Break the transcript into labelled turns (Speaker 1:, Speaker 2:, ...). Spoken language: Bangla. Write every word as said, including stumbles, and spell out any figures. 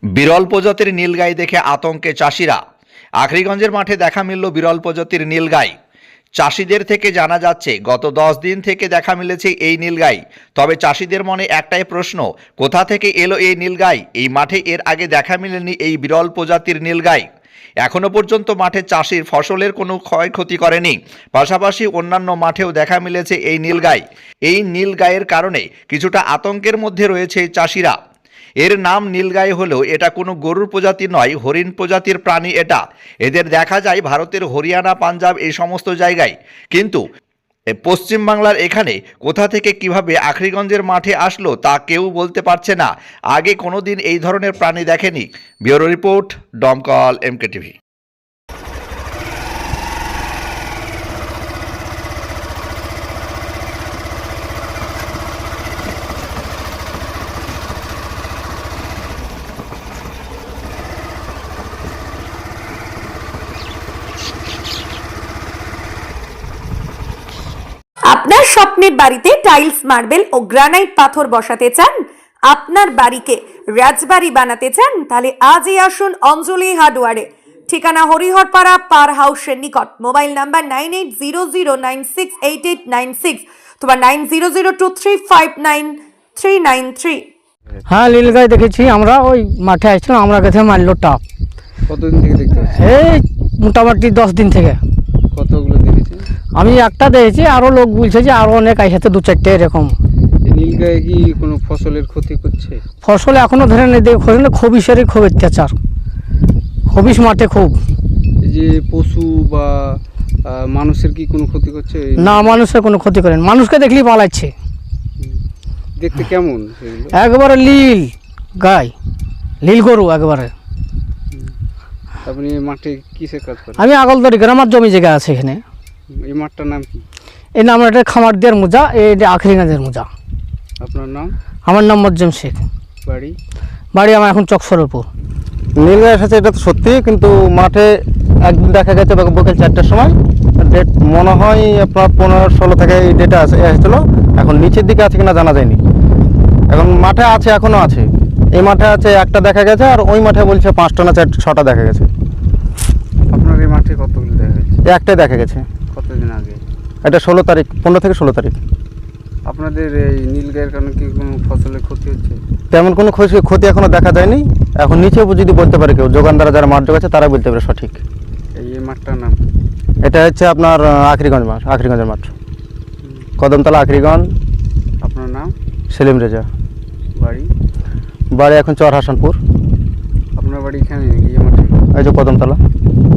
Speaker 1: বিরল প্রজাতির নীলগাই দেখে আতঙ্কে চাষিরা। আখরিগঞ্জের মাঠে দেখা মিলল বিরল প্রজাতির নীলগাই। চাষিদের থেকে জানা যাচ্ছে গত দশ দিন থেকে দেখা মিলেছে এই নীলগাই। তবে চাষিদের মনে একটাই প্রশ্ন, কোথা থেকে এলো এই নীলগাই? এই মাঠে এর আগে দেখা মেলেনি এই বিরল প্রজাতির নীলগাই। এখনো পর্যন্ত মাঠে চাষির ফসলের কোনো ক্ষয়ক্ষতি করেনি। পাশাপাশি অন্যান্য মাঠেও দেখা মিলেছে এই নীলগাই। এই নীলগাইয়ের কারণে কিছুটা আতঙ্কের মধ্যে রয়েছে চাষিরা। এর নাম নীলগাই হলেও এটা কোনো গরুর প্রজাতি নয়, হরিণ প্রজাতির প্রাণী এটা। এদের দেখা যায় ভারতের হরিয়ানা, পাঞ্জাব এই সমস্ত জায়গায়। কিন্তু পশ্চিমবাংলার এখানে কোথা থেকে কিভাবে আখরিগঞ্জের মাঠে আসলো তা কেউ বলতে পারছে না। আগে কোনো দিন এই ধরনের প্রাণী দেখেনি। Bureau report, Domkal MK TV.
Speaker 2: আপনার স্বপ্নের বাড়িতে টাইলস, মার্বেল ও গ্রানাইট পাথর বসাতে চান, আপনার বাড়িকে রাজবাড়ি বানাতে চান, তাহলে আজই আসুন অঞ্জলি হার্ডওয়ারে। ঠিকানা হরিহরপাড়া পার হাউসের নিকট। Mobile number nine eight zero zero nine six eight eight nine six অথবা nine zero zero two three five nine three nine three.
Speaker 3: হ্যাঁ, নীলগাই দেখেছি আমরা। ওই মাঠে আসছিলাম, আমরা কাছে মারলো টাপ।
Speaker 4: কতদিন থেকে দেখতে পাচ্ছি?
Speaker 3: এই মোটামুটি দশ দিন থেকে।
Speaker 4: কতগুলো দেখেছি?
Speaker 3: আমি একটা দেখেছি, আরো লোক বলছে যে আরো অনেক আইসাতে দু চারটে এরকম।
Speaker 4: এই নীলগাই কি কোনো ফসলের ক্ষতি করছে?
Speaker 3: ফসল এখনো ধরে নেই, দেখে খবিসেরই খুব অত্যাচার। খবিস মাঠে খুব।
Speaker 4: এই যে পশু বা আহ, মানুষের কি কোনো ক্ষতি করছে?
Speaker 3: না, মানুষের কোনো ক্ষতি করেন, মানুষকে দেখলেই পালাচ্ছে।
Speaker 4: দেখতে কেমন সেগুলো?
Speaker 3: একবারে লীল গাই, লীল গরু একবারে।
Speaker 4: আপনি এই মাঠে কিসের কাজ করেন?
Speaker 3: আমি আগলদড়ি গ্রাম, আমার জমি জায়গা আছে এখানে।
Speaker 4: এই মাঠটার নাম কি?
Speaker 3: এই নাম এটা খামার দেওয়ার মোজা, এটা আখরিগঞ্জের মোজা।
Speaker 4: আপনার নাম?
Speaker 3: আমার নাম মজ্জম শেখ।
Speaker 4: বাড়ি?
Speaker 3: বাড়ি আমার এখন চকসরপুর।
Speaker 5: নীলগাই এসেছে এটা তো সত্যি, কিন্তু মাঠে একদিন দেখা গেছে বিকেল চারটার সময়। ডেট মনে হয় আপনার পনেরো ষোলো থেকে এই ডেটা এসেছিলো। এখন নিচের দিকে আছে কিনা জানা যায়নি। এখন মাঠে আছে, এখনও আছে। এই মাঠে আছে একটা দেখা গেছে, আর ওই মাঠে বলছে পাঁচটা না চার ছটা দেখা গেছে।
Speaker 4: আপনার এই মাঠে কতগুলো দেখা গেছে?
Speaker 5: একটাই দেখা গেছে।
Speaker 4: কতদিন আগে?
Speaker 5: এটা ষোলো তারিখ, পনেরো থেকে ষোলো তারিখ।
Speaker 4: আপনাদের এই নীলগাইয়ের কারণে কি কোনো ফসলের ক্ষতি হচ্ছে?
Speaker 5: তেমন কোনো ক্ষতি ক্ষতি এখনও দেখা যায়নি। এখন নিচে যদি বলতে পারে কেউ, যোগানদারা যারা মাঠ জোগাচ্ছে তারা বলতে পারে সঠিক।
Speaker 4: এই এই মাঠটার নাম?
Speaker 5: এটা হচ্ছে আপনার আখরিগঞ্জ মাঠ, আখরিগঞ্জের মাঠ, কদমতলা আখরিগঞ্জ।
Speaker 4: আপনার নাম?
Speaker 5: সেলিম রেজা।
Speaker 4: বাড়ি?
Speaker 5: বাড়ি এখন চর হাসানপুর।
Speaker 4: আপনার বাড়ি এখানে এই মাঠে?
Speaker 5: এই যে কদমতলা।